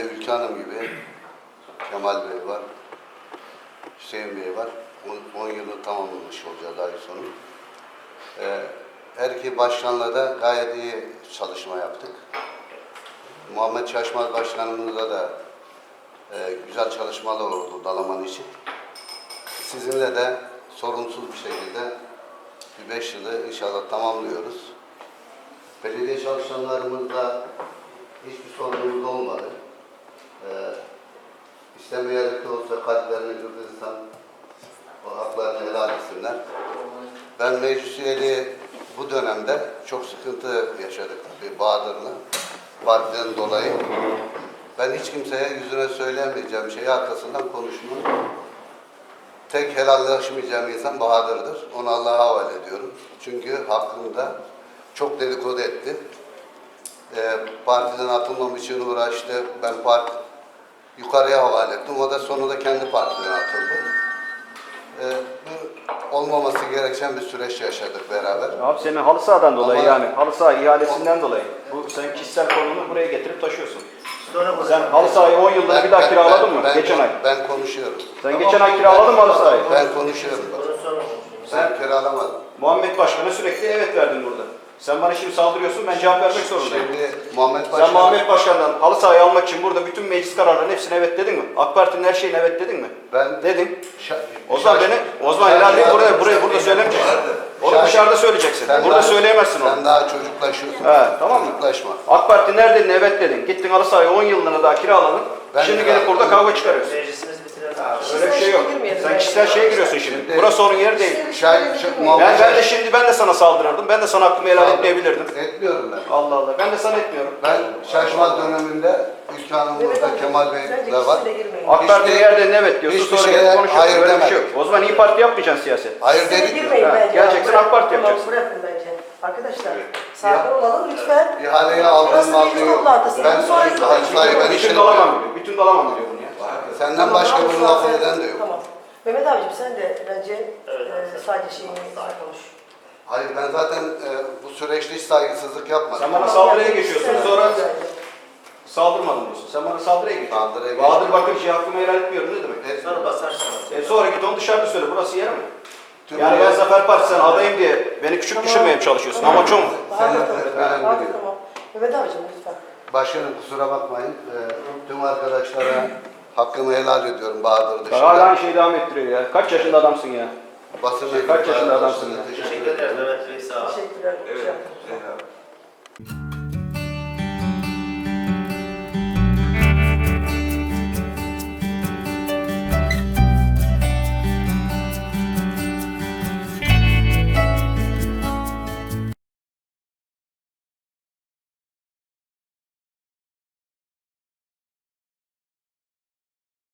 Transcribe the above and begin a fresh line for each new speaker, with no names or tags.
Ülke Hanım gibi Kemal Bey var, Hüseyin Bey var. 10 yılı tamamlamış olacağız ay sonu. Her iki başkanla da gayet iyi çalışma yaptık. Muhammed Şaşmaz Başkanımızla da güzel çalışmalar oldu Dalaman için. Sizinle de sorunsuz bir şekilde bir 5 yılı inşallah tamamlıyoruz. Belediye çalışanlarımızla hiçbir sorunumuz olmadı. İstemeyerek de olsa kalplerini kırdıysan o haklarını helal etsinler. Ben meclis üyeliği bu dönemde çok sıkıntı yaşadık tabii Bahadır'la. Partiden dolayı. Ben hiç kimseye yüzüne söyleyemeyeceğim şeyi arkasından konuşmam. Tek helallaşmayacağım insan Bahadır'dır. Onu Allah'a havale ediyorum. Çünkü hakkında çok dedikodu etti. Partiden atılmam için uğraştı. Ben yukarıya havale ettim. O da sonunda kendi partiden atıldı. Bu olmaması gereken bir süreç yaşadık beraber.
Abi senin halı sahadan dolayı yani halı saha ihalesinden dolayı. Bu sen kişisel konunu buraya getirip taşıyorsun. Sen halı sahayı 10 yılda bir daha kiraladın mı? Geçen ay.
Ben konuşuyorum.
Sen geçen ay kiraladın mı halı sahayı?
Ben konuşuyorum. Ben kiralamadım.
Muhammed Başkan'a sürekli evet verdin burada. Sen bana şimdi saldırıyorsun, ben cevap vermek zorundayım.
Şimdi Muhammed Başkan...
Sen Muhammed Başkan'dan halı sahayı almak için burada bütün meclis kararlarının hepsine evet dedin mi? AK Parti'nin her şeyine evet dedin mi?
Ben...
Dedin. O zaman helal değil, burada söylemeyeceksin. Onu dışarıda söyleyeceksin. Burada söyleyemezsin onu.
Sen daha çocuklaşıyorsun.
He, tamam mı?
Çocuklaşma.
AK Parti nerede dedin, evet dedin. Gittin halı sahayı 10 yıllığına daha kiraladın. Şimdi gelip burada kavga çıkarıyorsun. Öyle bir şey yok. Sen kişisel şeye giriyorsun şimdi. Burası onun yeri değil. Ben de sana saldırırdım. Ben de sana hakkımı helal etmeyebilirdim.
Etmiyorum ben.
Allah Allah. Ben de sana etmiyorum.
Ben Şaşmaz döneminde Ülke Hanım'da Kemal Bey'le var.
AK Parti nerede evet diyorsun. Sonra gelip konuşuyorsun.
Hayır
Öyle bir
demedim.
şey yok. O zaman İYİ Parti yapmayacaksın siyaset.
Hayır dedik mi?
Geleceksin AK Parti yapacaksın.
Bırakın bence. Arkadaşlar sakin olalım lütfen.
İhaleye aldığım aldığı ben
Bütün Dalaman biliyor. Bütün Dalaman biliyor bunu ya.
Senden başka bir laf eden de yok.
Tamam. Mehmet abicim sen de bence sadece şeyini konuş.
Hayır ben zaten bu süreçte hiç saygısızlık yapmadım.
Sen bana saldırıya geçiyorsun. Sonra saldırmadın diyorsun. Sen bana saldırıya geçiyorsun. Bahadır Bakırcı'ya hakkımı helal etmiyorum ne demek?
Sonra basarsın.
Sonra git onu dışarıda söyle. Burası yer mi? Yani ben Zafer Partisi'nden adayım diye beni küçük düşürmeye mi çalışıyorsun? Ama çok mu?
Tamam. Mehmet abicim lütfen.
Başkanım kusura bakmayın. Tüm arkadaşlara hakkımı helal ediyorum Bahadır dışında.
Hala aynı şeyi devam ettiriyor ya. Kaç yaşında adamsın ya?
Basın
Kaç yaşında adamsın ya?
Teşekkürler Mehmet Bey sağ ol. Teşekkürler.
Evet.